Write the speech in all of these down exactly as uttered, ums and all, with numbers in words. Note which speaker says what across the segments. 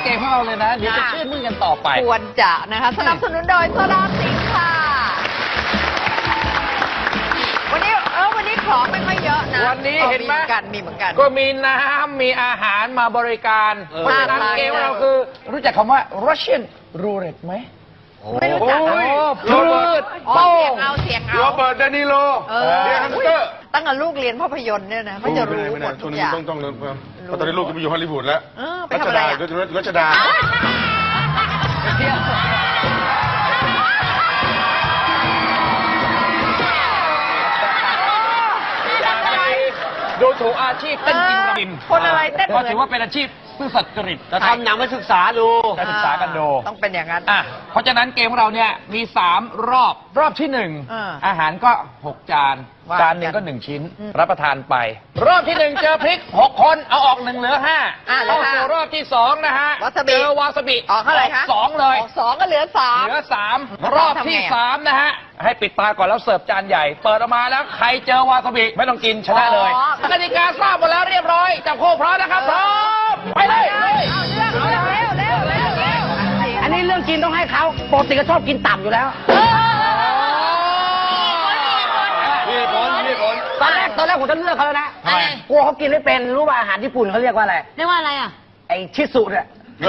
Speaker 1: เกมของเราเลยนะเดี๋ยวจะชื่นมื่นกันต่อไป
Speaker 2: ควรจะนะคะสนับสนุนโดยโซดาสิงค์ค่ะวันนี้เออวันนี้ของไม่ค่อยเยอะนะ
Speaker 1: วันนี้เห็นไหม
Speaker 2: กันมีเหมือนกัน
Speaker 1: ก็มีน้ำมีอาหารมาบริการเพราะฉะนั้นเกมของเราคือรู้จักคำว่า Russian Roulette ไหม
Speaker 2: ไม่รู้จัก
Speaker 1: พืช
Speaker 2: โป้งเอาเสียงเอา
Speaker 3: โรเบิร์ต เดนิโลเดียฮันเตอร์
Speaker 2: ตั้งแต่ลูกเรียนภาพยนตร์เนี่ยนะเขาจะรู้หมดทุกอย่าง
Speaker 3: ต้องต้องเรียนเพิ่มเพราะตอนนี้ลูกก็ไปอยู่ฮอลลีวูดแล้ว
Speaker 2: รัชดา
Speaker 3: รัชดา
Speaker 1: ดูถูกอาชีพเต้นกินระบิน
Speaker 2: คนอะไรเต้น
Speaker 1: ก็ถือว่าเป็นอาชีพซื่อสัตย์จริต
Speaker 4: จะทำหนังมาศึกษาดู
Speaker 1: จะศึกษากันดู
Speaker 2: ต้องเป็นอย่างนั้น
Speaker 1: อ่ะเพราะฉะนั้นเกมของเราเนี่ยมีสามรอบรอบที่หนึ่งอาหารก็หกจานจานหนึ่งก็หนึ่งชิ้นรับประทานไปรอบที่หนึ่งเจอพริกหกคนเอาออกหนึ่งเหลือห้าเข้าสู่รอบที่สองนะฮะเจอวาซาบิ
Speaker 2: ออกเท่าไหร่คะ
Speaker 1: สองเลย
Speaker 2: สองก็เหลือสาม
Speaker 1: เหลือสามรอบที่สามนะฮะให้ปิดตาก่อนแล้วเสิร์ฟจานใหญ่เปิดออกมาแล้วใครเจอวาซาบิไม่ต้องกินชนะเลยกติกาทราบหมดแล้วเรียบร้อยจับคู่พร้อมนะครับพร้อมไปเลย
Speaker 2: เอาเร็วเร็วเร็วเร็วเร็ว
Speaker 4: อันนี้เรื่องกินต้องให้เขาปกติก็ชอบกินต่ำอยู่แล้ว
Speaker 3: นี่คนนี่คน
Speaker 4: ตอนแรกตอนแรกผมจะเลือกเขาแล้วนะกลัวเขากินไม่เป็นรู้ว่าอาหารญี่ปุ่นเขาเรียกว่าอะไร
Speaker 5: เรียกว่าอะไรอ่ะ
Speaker 4: ไอชิสุเนี่ย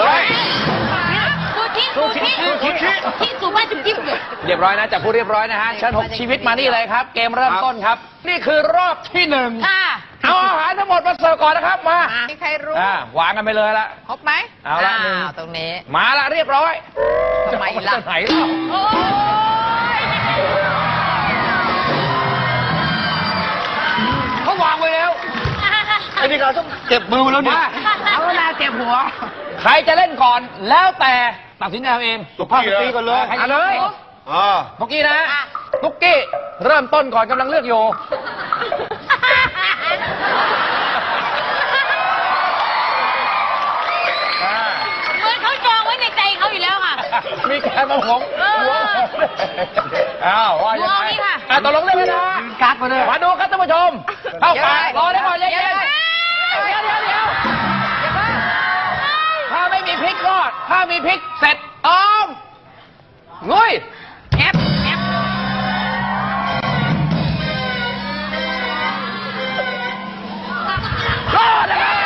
Speaker 5: ซูชิซูชิซูชิที่สูบ้านจุ๊บจิ๊บเลย
Speaker 1: เรียบร้อยนะจับผู้เรียบร้อยนะฮะเชิญหกชีวิตมานี่เลยครับเกมเริ่มต้นครับนี่คือรอบที่หนึ่งเอาอาหารทั้งหมดมาเสิร์ฟก่อนนะครับมา
Speaker 2: มีใครรู้
Speaker 1: วางกันไปเลยละ
Speaker 2: ครบไหม
Speaker 1: เอาละหนึ่ง
Speaker 2: ตรงนี้
Speaker 1: มาละเรียบร้อย
Speaker 2: ทำไมล่ะ
Speaker 1: ไหนล่ะเขาวางไว้แล้ว
Speaker 4: ไอ้นี่เราต้องเจ็บมือแล้วเนี่ยเอาเวลาเจ็บหัว
Speaker 1: ใครจะเล่นก่อนแล้วแต่ตัดสินใจเอง
Speaker 3: ตุ๊กกี้
Speaker 4: ตีก่อนเลย
Speaker 1: ใครเลยตุ๊กกี้นะตุ๊กกี้เริ่มต้นก่อนกำลังเลือกอยู่
Speaker 5: เหมือนเขาจองไว้ในใจเขาอยู่แล้วค่ะ
Speaker 1: มีแกมาหวงหวงอ้าวว่ายังไงอ่ะตกลงเล่นเลยนะ
Speaker 4: กักมาเลย
Speaker 1: มาดูครับท่านผู้ชมเข้าปากรอได้ก่อนเย็นเดี๋ยวเดี๋ยวเดี๋ยวถ้าไม่มีพริกรอดถ้ามีพริกเสร็จต้อมงุยแอบแอบรอดนะครับ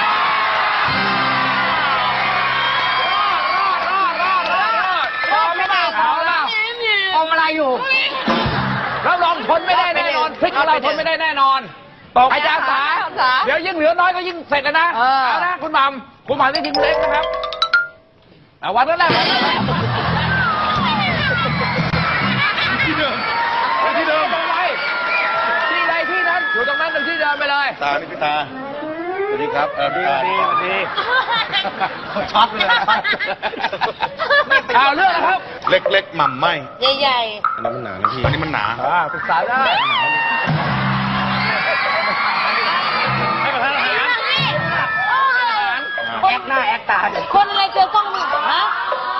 Speaker 1: รอดรอดรอดรอดรอดไม่ได้เอาแล้ว
Speaker 4: อมอะไรอยู่
Speaker 1: เราลองทนไม่ได้แน่นอนพริกของเราทนไม่ได้แน่นอนตกอาจารย์สาเดี๋ยวยิ่งเหลือน้อยก็ยิ่งเสร็จนะเอานะคุณหม่ำคุณหม่ำได้ทีมเล็กนะครับเอาวันนั้นแหละ
Speaker 3: ที่เดิมที่เดิม
Speaker 1: ตรงไหนที่ใดที่นั้นอยู่ตรงนั้นตรงที่เดิมไปเลย
Speaker 3: ตานี่พี่ตาสวัสดีครับ
Speaker 1: เออดีดีดีช็อตเลยเอาเรื่องนะครับ
Speaker 3: เล็กๆหม่ำไหม
Speaker 5: ใหญ่
Speaker 3: ๆอันนี้มันหนานะพี่อันนี้มันหนา
Speaker 1: ปรึกษาได้ให้ประทานอาหาร
Speaker 4: แอคหน้าแอคตา
Speaker 5: คนอะไรเจอกล้องมีฮะ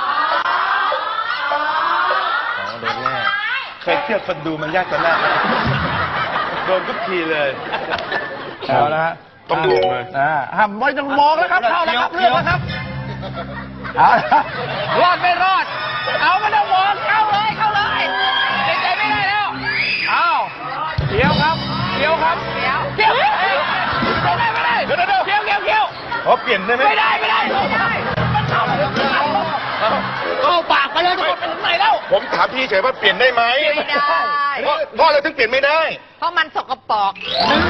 Speaker 3: โดนแน่เคยเทียบคนดูมันยากกว่าแน่โดนทุกทีเลย
Speaker 1: เอาละ
Speaker 3: ต้องดูเลย
Speaker 1: ห้ามไม่ต้องมองแล้วครับเข้าแล้วครับเลือกแล้วครับเอารอดไม่รอดเอาไม่ต้องมองเข้าเลยเข้าเลยเด็กใจไม่ได้แล้วเอาเกี่ยวครับเกี่ยวครับเกี่ยวเกี่ยวไม่ได้ไม่ได้เดี๋ยวเดี๋ยวเกี่ยวเกี่ยวเกี่ยว
Speaker 3: เขาเปลี่ยนได้ไหม
Speaker 1: ไม่ได้ไม่ได้ไม่ได้มันเข้าเข้าปากไปเลยจะหมดไปถึงไหนแล้ว
Speaker 3: ผมถามพี่เฉยว่าเปลี่ยนได้ไหม
Speaker 2: ไม่ได้
Speaker 3: เพราะอะไรถึงเปลี่ยนไม่ได้
Speaker 2: เพราะมันสกปรก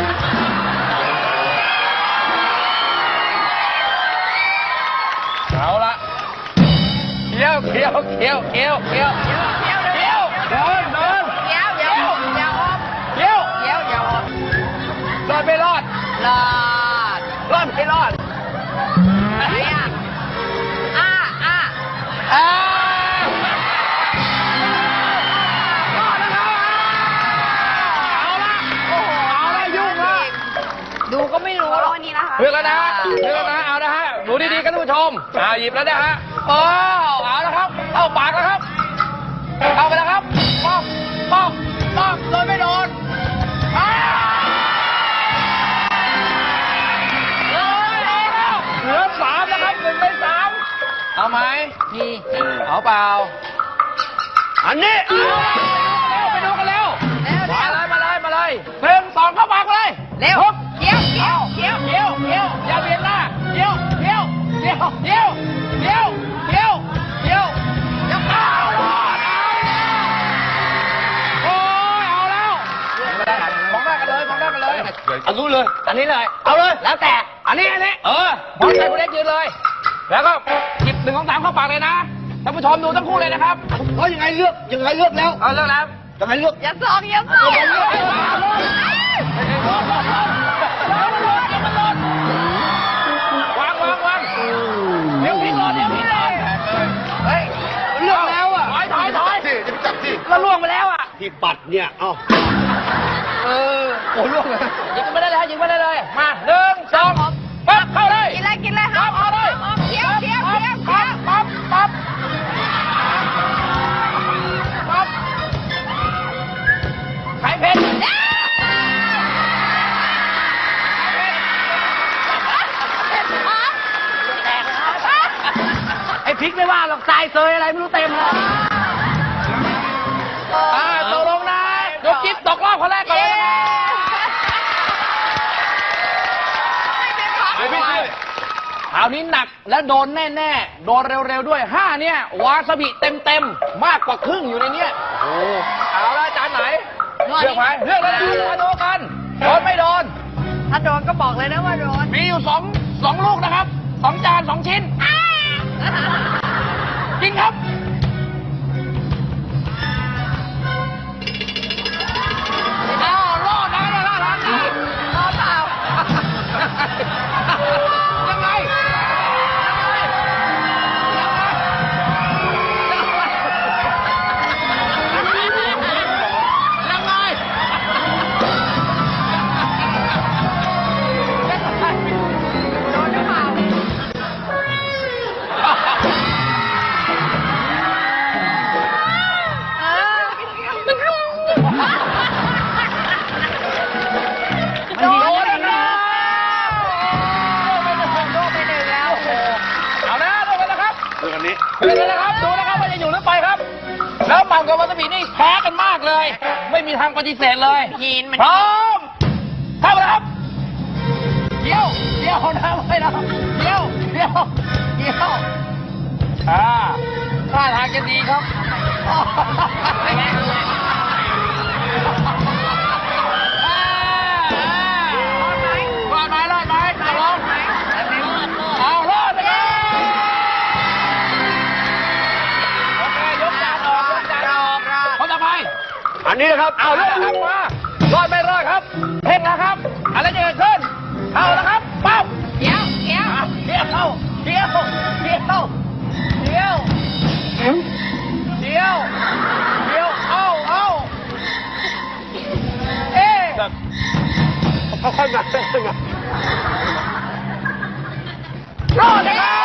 Speaker 1: เอาละเคี้ยวเคี้ยวเคี้ยวเคี้ยวเคี้ยวเคี้ยวเคี้ยวเคี้ยวเดินเดิน
Speaker 2: เคี้ยวเดี๋ยวเดี๋ยว
Speaker 1: เคี้ยว
Speaker 2: เคี้ยวเดี๋ยว
Speaker 1: รอดไม่รอด
Speaker 2: รอด
Speaker 1: รอดไม่รอด
Speaker 2: อะไรอ่ะอ่าอ่า
Speaker 1: อ่า
Speaker 2: ดูก็ไม่รู้แล้ววันนี้นะคะ
Speaker 1: เลือกแล้วนะเลือกแล้วนะเอานะฮะดูดีๆกันท่านผู้ชมอ่าหยิบแล้วนะฮะโอ้เอาแล้วครับเข้าปากแล้วครับเข้าไปแล้วครับป้องป้องป้องโดนไม่โดนเหลือสามนะครับหนึ่งในสามเอาไหม
Speaker 2: มี
Speaker 1: เอาเปล่า
Speaker 4: อันนี้
Speaker 1: เอาไปดูกันเร็ว
Speaker 2: เร็วเร็
Speaker 1: มาว เลยมาเลยมาเลยหนึ่งสองเข้าปากเลย
Speaker 2: เร็ว
Speaker 1: ปุ๊บ
Speaker 2: เกี้ยวเกี้ยว
Speaker 1: เกี้ยวเกี้ยวเกี้ยวอย่าเบียดหน้าเกี้ยวเกี้ยวเกี้ยวเกี้ยวเกี้ยวเกี้ยวเกี้ยวเกี้ยวเอาโอ้ยเอาแล้วมองหน้ากันเลยมองหน้ากันเลย
Speaker 3: อันนู้นเลย
Speaker 1: อันนี้เลย
Speaker 4: เอาเลย
Speaker 1: แล้วแต่ อันนี้อันนี้ เออมองใจคุณเล็กยืนเลย แล้วก็หยิบหนึ่งของสามเข้าปากเลยนะ ท่านผู้ชมดูทั้งคู่เลยนะครับ
Speaker 4: เฮ้ยยังไงเลือกยังไงเลือกแล้ว
Speaker 1: เอาเรื่องแล้ว
Speaker 4: ยังไงเลือก
Speaker 2: อย่าสองอย่าสอง
Speaker 1: วางวางวางเดี๋ยวพี่รอเดี๋ยวพี่รอเฮ้ย
Speaker 4: เลือกแล้วอ่ะ
Speaker 1: ถอยถอยถอย
Speaker 3: สิจะไปจับสิ
Speaker 1: ก็ล่วงไปแล้วอ่ะ
Speaker 4: ที่ปัดเนี่ยเอ้าเออโอ้ล่วงเลย
Speaker 1: ยิงไปได้เลยยิงไปได้เลย มาหนึ่งสองปั๊บเข้าเลย
Speaker 2: กินเลยกินเลยค
Speaker 1: ปั๊
Speaker 2: รับบ
Speaker 1: เอาเลย
Speaker 2: เกี้ยวเกี้ยวเกี้ยว
Speaker 1: ปั๊
Speaker 2: เกี้
Speaker 1: บ
Speaker 2: ยว
Speaker 1: ปั๊บปั๊บปั๊บไข่เผ็ด
Speaker 4: ไอ้พริกไม่ว่าหรอกทรายเซยอะไรไม่รู้เต็มเลย
Speaker 1: อ่าตกลงนะยกจิ๊บตกรอบคนแรกก่อนเลยนะ
Speaker 3: ไม่ไม่ช่วย
Speaker 1: คราวนี้หนักและโดนแน่ๆ โดนเร็วๆด้วยห้าเนี่ยวาซาบิเต็มๆ มากกว่าครึ่งอยู่ในเนี้ยโอ้เอาละจานไหน เลือกไปเลือกเลยนะมาดูกัน โดนไม่โดน
Speaker 2: ถ้าโดนก็บอกเลยนะว่าโดน
Speaker 1: มีอยู่สองสองลูกนะครับสองจานสองชิ้น จริงครับ อ้าวรอดนะรอดนะรอดนะรอดเปล่ายังไงยังไงโดนหรือเปล่า
Speaker 2: เออ
Speaker 1: โดนแล้ว
Speaker 2: โดนไปหนึ่งแล้ว
Speaker 1: เอาแล้วลงไปแล้วครับ
Speaker 3: เรื่องอันนี้
Speaker 1: ดูเลยนะครับ ดูนะครับว่าจะอยู่หรือไปครับ แล้วหม่ำกับวาซาบินี่แพ้กันมากเลย ไม่มีทางปฏิเสธเลย
Speaker 2: ยีนมัน
Speaker 1: พร้อมเข้าไปแล้วครับเดี๋ยวเดี๋ยวนะไม่นะเดี๋ยวเดี๋ยวเดี๋ยวอ่าท่าทางจะดีครับเป็นไงอ่าอ่ารอดไหมรอดไหมจะลงเอารอดไปเลยโอเคยกจานออกยกจานออกคนต่อไป
Speaker 4: อันนี้นะครับ
Speaker 1: เอาเรื่องครับมารอดไม่รอดครับเพ่งนะครับอะไรจะเกิดขึ้นเข้าแล้วครับปั๊บ
Speaker 2: เกี้ยวเกี้ยว
Speaker 1: อ่ะเดี๋ยวเข้าเดี๋ยวเดี๋ยวเดี๋ยวเดี๋ยวเดี๋ยวเอาเอาเอ๊ะ
Speaker 4: ค่อยๆมาค่อยๆมาร
Speaker 1: อดเลยครับ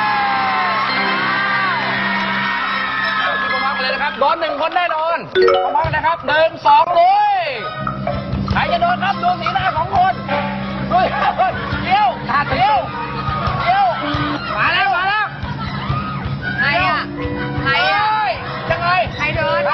Speaker 1: ที่ผมมากันเลยนะครับโดนหนึ่งคนแน่นอนพร้อมๆกันนะครับหนึ่งสองเลยใครจะโดนครับดูสีหน้าของคนดูเดี๋ยวขาดเดี๋ยวเดี๋ยวมาแล้วมาแล้ว
Speaker 2: ใครอ่ะใครอ่ะ
Speaker 1: เฮ้ยยังไง
Speaker 2: ใครโดน
Speaker 1: ใคร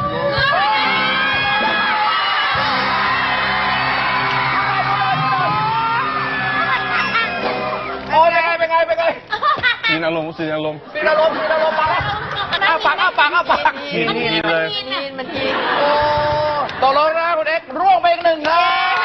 Speaker 1: โอ้ยเป็นไงเป็นไงเป็นไง
Speaker 3: สีอารมณ์สีอารมณ์
Speaker 1: สีอารมณ์สีอารมณ์มาแล้วอ้าปากอ้าปากอ้าปาก
Speaker 3: กินกินเลย
Speaker 2: ยีนมันยีน
Speaker 1: โอ้ตกลงนะคุณเอ็กซ์ร่วงไปอีกหนึ่งครับ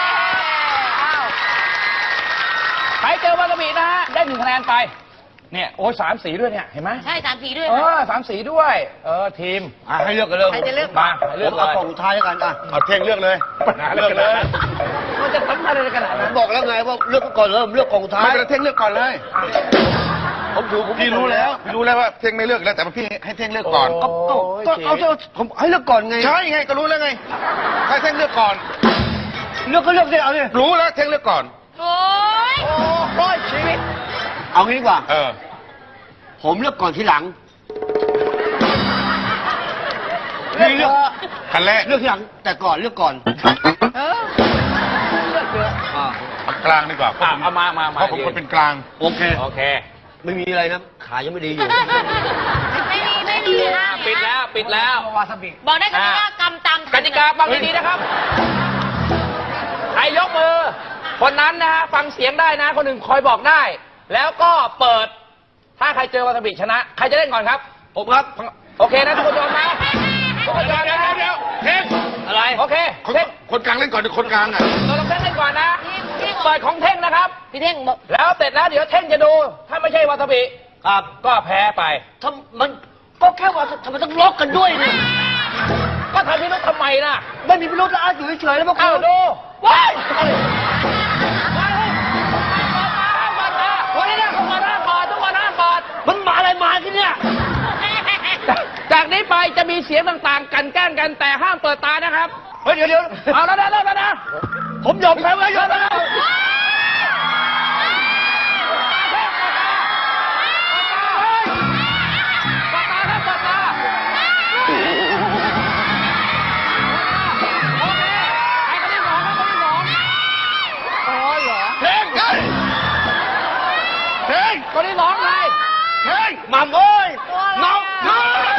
Speaker 1: ใครเจอวาซาบินะฮะได้หนึ่งคะแนนไปเนี่ยโอ้ยสามสีด้วยเนี่ยเห็นไหม
Speaker 5: ใช่สามสีด้วย
Speaker 1: เออสามสีด้วย เออทีม
Speaker 4: อ่ะให้เลือกกันเลย
Speaker 2: ใครจะเลือก
Speaker 1: มาให้
Speaker 4: เลื
Speaker 1: เลื
Speaker 4: อ
Speaker 1: อก กเล
Speaker 4: เอา
Speaker 1: ย
Speaker 4: กล่องท้ายแล้วกันอ่ะ
Speaker 3: เอาเท่งเลือกเลยเลือกเลย
Speaker 1: มันจะทำอะไรขนาด
Speaker 4: ผ
Speaker 1: นั้
Speaker 4: ม
Speaker 1: น
Speaker 4: บอกแล้วไงว่าเลือกก่อนเริ่มเลือกกล่องท้า
Speaker 3: ไม่
Speaker 4: ย
Speaker 3: เป็นไรเท่งเลือกก่อนเลย
Speaker 4: ผมถือผม
Speaker 3: พี่รู้แล้วพี่รู้แล้วว่าเท่งไม่เลือกแล้วแต่ว่าพี่ให้เท่งเลือกก่อน
Speaker 4: เอาเอาก็เอาเถอะผมให้เลือกก่อนไง
Speaker 3: ใช่ไงก็รู้แล้วไงให้เท่งเลือกก่อน
Speaker 4: เลือกก็เลือกสิเอาดิ
Speaker 3: รู้แล้วเท่งเลือกก่อน
Speaker 5: โอ้ย
Speaker 1: โอ้ยชีวิต
Speaker 4: เอางี้ดีกว่า
Speaker 3: เออ
Speaker 4: ผมเลือกก่อนทีหลังพี่เลือก
Speaker 3: คันแรก
Speaker 4: เลือกทีหลังแต่ก่อนเลือกก่อน
Speaker 2: เออ
Speaker 1: เลือกเยอะ
Speaker 4: อ่า
Speaker 3: เอากลางดีกว่า
Speaker 1: อ่ะเอามามามา
Speaker 3: เพราะผมคนเป็นกลาง
Speaker 4: โอเค
Speaker 1: โอเค
Speaker 4: ไม่มีอะไรนะ ขายังไม่ดีอยู่
Speaker 5: ไม่มีไม่มีค่ะ
Speaker 1: ปิดแล้วปิดแล้ว
Speaker 4: วาซาบิ
Speaker 5: บอกได้แค่ว่ากำตาม
Speaker 1: กติกาฟังดีๆนะครับ ใครยกมือ คนนั้นนะฮะฟังเสียงได้นะ คนหนึ่งคอยบอกได้ แล้วก็เปิด ถ้าใครเจอวาซาบิชนะ ใครจะเล่นก่อนครับ ผมครับ โอเคนะทุกคนยอมนะทุกคนยอมนะ
Speaker 3: เดี๋ยวเท่ง
Speaker 1: อะไร โอเค
Speaker 3: คน
Speaker 1: เท่ง
Speaker 3: คนกลางเล่นก่อนคนกลางอ่ะ
Speaker 1: เราต้องเท่งเล่นก่อนนะ เปิดของเท่งนะครับ
Speaker 2: พี่เท่งบอก
Speaker 1: แล้วเสร็จแล้วเดี๋ยวเท่งจะดู ถ้าไม่ใช่วาซาบิ
Speaker 4: ครับ
Speaker 1: ก็แพ้ไป
Speaker 4: ทำมันก็แค่ว่าทำไมต้องล็อกกันด้วยเนี่ย
Speaker 1: ก็ทำพิรุธทำไมล่ะ
Speaker 4: ไม่มีพิรุธแล้วอาอยู่เฉยๆแล้วพวก
Speaker 1: เอา
Speaker 4: คุณ
Speaker 1: ดูว้าย
Speaker 4: วันนี้เนี่ย
Speaker 1: ทุกคนห้ามเปิดทุกคนห้ามเปิด
Speaker 4: มันมาอะไรมาที่เนี่ย
Speaker 1: จากนี้ไปจะมีเสียงต่างๆ กันแกล้งกันแต่ห้ามเปิดตานะครับ
Speaker 4: เฮ้ยเดี๋ยวเดี๋ยว
Speaker 1: เอาแล้วนะเริ่มแล้วนะ
Speaker 4: ผมยอมแพ้ไว้ยอมแล้ว
Speaker 1: เปิดตาครับเปิดตาโอเคใครคนที่สองครับคนที่สอง
Speaker 4: อ๋อเหรอ
Speaker 3: เท่งเฮ้ยเท่ง
Speaker 1: คนที่สองใคร
Speaker 3: เท่ง
Speaker 4: หม่ำเอ้ย
Speaker 3: น้องเฮ้ย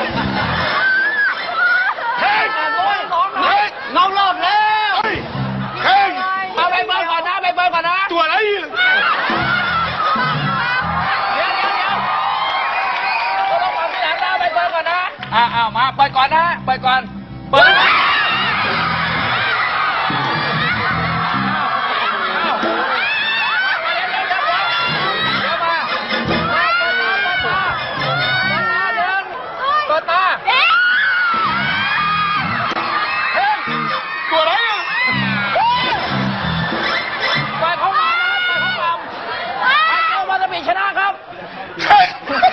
Speaker 3: เท่ง
Speaker 1: โอ้ยสองใคร
Speaker 3: เฮ้ย
Speaker 4: น้องรอดแล้ว
Speaker 3: เฮ้ยเท่ง
Speaker 1: เอาไปเบิร์ก่อนนะไปเบิร์ก่อนนะ
Speaker 3: ตัวอะไร
Speaker 1: เดี๋ยวเดี๋ยวเดี๋ยวเราต้องฟังทีหลังนะไปเบิร์ก่อนนะอ่าเอามาเปิดก่อนนะเปิดก่อนเปิดนะเปิดตา
Speaker 3: ตัวอะไรอ่ะ
Speaker 1: ปล่อยเขามานะครับปล่อยเขามาใครเจอวาซาบิชนะครับ
Speaker 3: เท่ง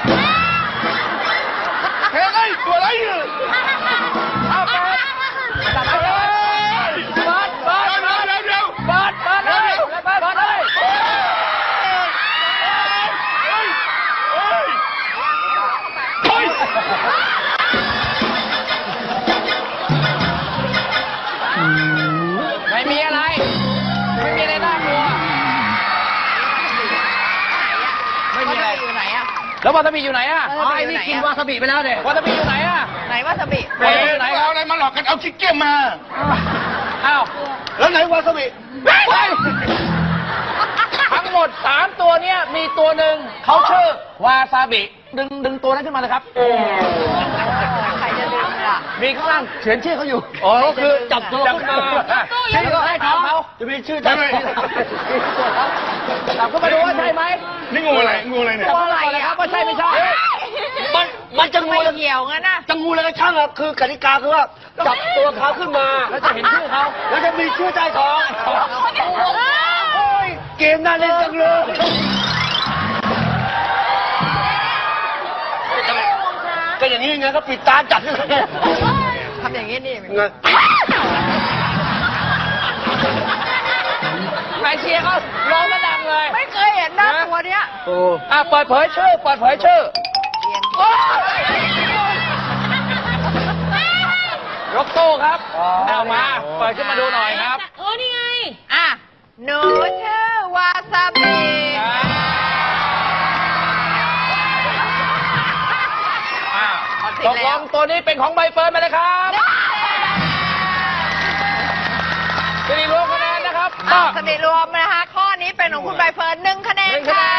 Speaker 3: เท่งไอ้ตัวอะไรอ่ะ
Speaker 1: เอาเปิดจับไปเลยเปิดเปิด
Speaker 3: เดี๋ยว
Speaker 1: เปิด
Speaker 3: เดี๋ยวเดี๋ยว
Speaker 1: เปิดเปิดเลยเปิดเปิดเลย
Speaker 3: เฮ้ยเฮ้ยเฮ้ย
Speaker 1: ไม่มีอะไร ไม่มีอะไรน่ากลัว
Speaker 2: ไม่มีอะไรอยู่ไหนอะ
Speaker 1: แล้ววาซาบิอยู่ไหนอะ
Speaker 2: เอ
Speaker 4: อ๋อไอ้นี่กินวาซาบิไปแล้วเด็
Speaker 1: วาซาบิอยู่ไหนอะ
Speaker 2: ไหนวาซาบิ
Speaker 3: เฮ้ยเอาอะไรมาหลอกกันเอากิ๊กเก้มมา
Speaker 1: อ้าว
Speaker 4: แล้วไหนวาซาบิ
Speaker 1: เฮ้ยทั้งหมดสามตัวเนี้ยมีตัวหนึ่งเขาชื่อวาซาบิดึงดึงตัวนั้นขึ้นมาเลยครับ
Speaker 2: ใครจะดึงล่ะ
Speaker 1: มีข้างล่างเขียนชื่อเขาอยู่
Speaker 4: อ๋อก็คือจับตัวขึ้นมา
Speaker 1: ชื่อเขาให้เขาเขา
Speaker 4: จะมีชื่อจับ
Speaker 1: จับขึ้นมาดูว่าใช่ไหม
Speaker 3: นี่งูอะไรงูอะไรเนี่ย
Speaker 1: จับขึ้นมาเลยครับว่าใช่ไม่ใช่
Speaker 4: มันมันจะงู
Speaker 2: ไม่
Speaker 4: แล้ว
Speaker 2: เกี่ยวงั้นนะ
Speaker 4: จะงูแล้วก็ช่างอะคือกติกาคือว่าจับตัวเขาขึ้นมา
Speaker 1: แล้วจะเห็นชื่อเขา
Speaker 4: แล้วจะมีชื่อใต้ท้องโอ้ยเกมน่าเล่นจังเลยก็อย่างนี้ไงก็ปิดตาจับนี่ไง
Speaker 2: ทำอย่างนี้นี่
Speaker 4: ไง
Speaker 1: ใครเชียร์เขาร้องมาดังเลย
Speaker 2: ไม่เคยเห็นหน้าตัวเนี้ย
Speaker 4: โอ้
Speaker 1: อ่ะเปิดเผยชื่อเปิดเผยชื่อ
Speaker 2: เรียน
Speaker 1: ยกตู้ครับเอามาเปิดขึ้นมาดูหน่อยครับ
Speaker 5: เออนี่ไง
Speaker 2: อ่ะหนูชื่อวาซาบิ
Speaker 1: อ่าตกลงตัวนี้เป็นของใบเฟิร์นไปเลยครับสิริรวมคะแนนนะครับ
Speaker 2: อ่ะสถิติรวมนะคะ ข้อนี้เป็นของคุณใบเฟิร์นหนึ่งคะแน
Speaker 1: ห
Speaker 2: น
Speaker 1: นึ่งคะแน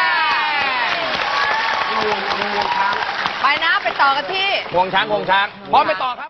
Speaker 2: ค่ะ
Speaker 1: น
Speaker 2: ไปนะไปต่อกันที่
Speaker 1: ห่วงช้างห่วงช้างพร้อมไปต่อครับ